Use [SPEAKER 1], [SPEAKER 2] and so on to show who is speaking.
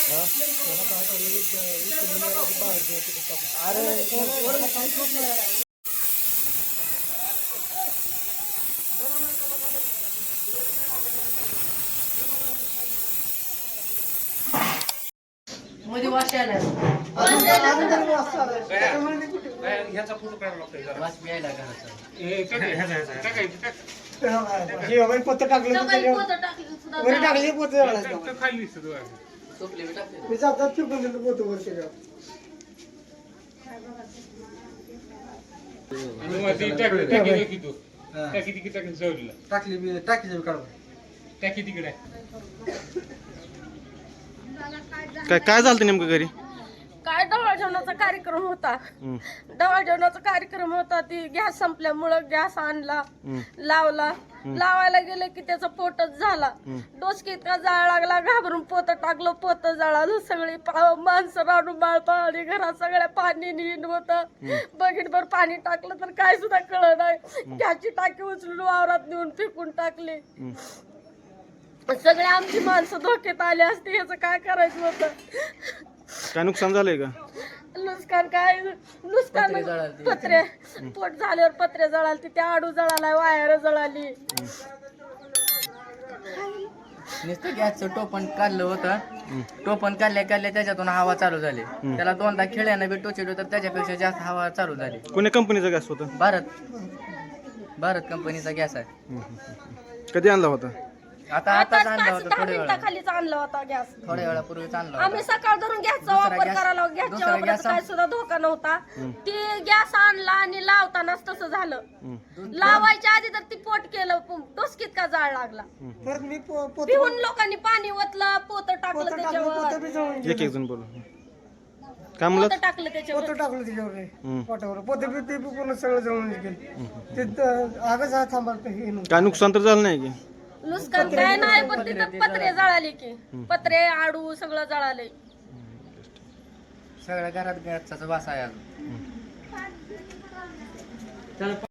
[SPEAKER 1] मध्ये वाशायला
[SPEAKER 2] ह्याचा फोटो काढावा लागतोय जरा.
[SPEAKER 1] वास प्यायला घराचा
[SPEAKER 3] पोत टाकलं वर टाकली पोत
[SPEAKER 2] खाली दिसत बघा.
[SPEAKER 1] झोपले बी टाकले
[SPEAKER 3] मी जातात चुकून देतो पोत वर त्याच्यावर
[SPEAKER 2] आणि मग ती टाकी टाकी तू टाकी तिकडे टाकी जवळला
[SPEAKER 3] टाकी काढू
[SPEAKER 2] टाकी तिकडे
[SPEAKER 4] काय झालं नेमकं घरी?
[SPEAKER 5] काय डवाळ जेवणाचा कार्यक्रम होता. डवाळ जेवणाचा कार्यक्रम होता. ती गॅस संपल्यामुळं गॅस आणला, लावला. लावायला गेले की त्याचा पोटच झाला. डोसकी इतका जाळ लागला, घाबरून पोत टाकलं, पोत जळालं. सगळी माणसं राडून बाळपाणी घरात सगळ्या पाणी नीट होतं. बकेटभर पाणी टाकलं तर काय सुद्धा कळलं नाही. गॅसची टाकी उचलून वावरात नेऊन फेकून टाकली. सगळे आमची माणसं धोक्यात आली असती. याचं काय करायचं होतं?
[SPEAKER 4] काय नुकसान झालंय का?
[SPEAKER 5] नुकसान काय नुकसान पत्रे पोट झाल्यावर पत्रे जळालती, त्या आडू जळाला, वायर जळाली.
[SPEAKER 1] नुसतं गॅसचं टोपण काढलं होतं. टोपण काढल्या त्याच्यातून हवा चालू झाली. त्याला दोनदा खिळ्यानं बी टोचलं तर त्याच्यापेक्षा जास्त हवा चालू झाली.
[SPEAKER 4] कोण्या कंपनीचा गॅस होता?
[SPEAKER 1] भारत कंपनीचा गॅस आहे.
[SPEAKER 4] कधी आणला होता?
[SPEAKER 1] आता आणला होता.
[SPEAKER 5] 10 मिनिटाखालीच आणला होता गॅस.
[SPEAKER 1] थोड्या वेळापूर्वीच आणला होता.
[SPEAKER 5] आम्ही सकाळ धरून गॅसचा वापर करायला. गॅसच्या वापराचा काय सुद्धा धोका नव्हता. ती गॅस आणला आणि लावतानाच तसं झालं. लावायच्या आधी तर ती पोट केलं, डोसकीत का जाळ लागला.
[SPEAKER 3] परत मी पोत
[SPEAKER 5] पिऊन लोकांनी पाणी ओतलं, पोत टाकलं त्याच्यावर,
[SPEAKER 3] बी जळून
[SPEAKER 4] एक जण बोल. काय म्हणलं?
[SPEAKER 5] पोत टाकलं त्याच्यावर.
[SPEAKER 3] पोत टाकलं त्याच्यावर पोटावर पोत बी ते पूर्ण सगळं जळून गेलं. ते आगच हा थांबायला हे नव्हतं.
[SPEAKER 4] काय नुकसान तर झालं नाही की?
[SPEAKER 5] नुकसान काय नाही, पण तिथं पत्रे जळाले की, पत्रे आडू सगळं जळाले.
[SPEAKER 1] सगळ्या घरात गॅसचा वास आहे अजून.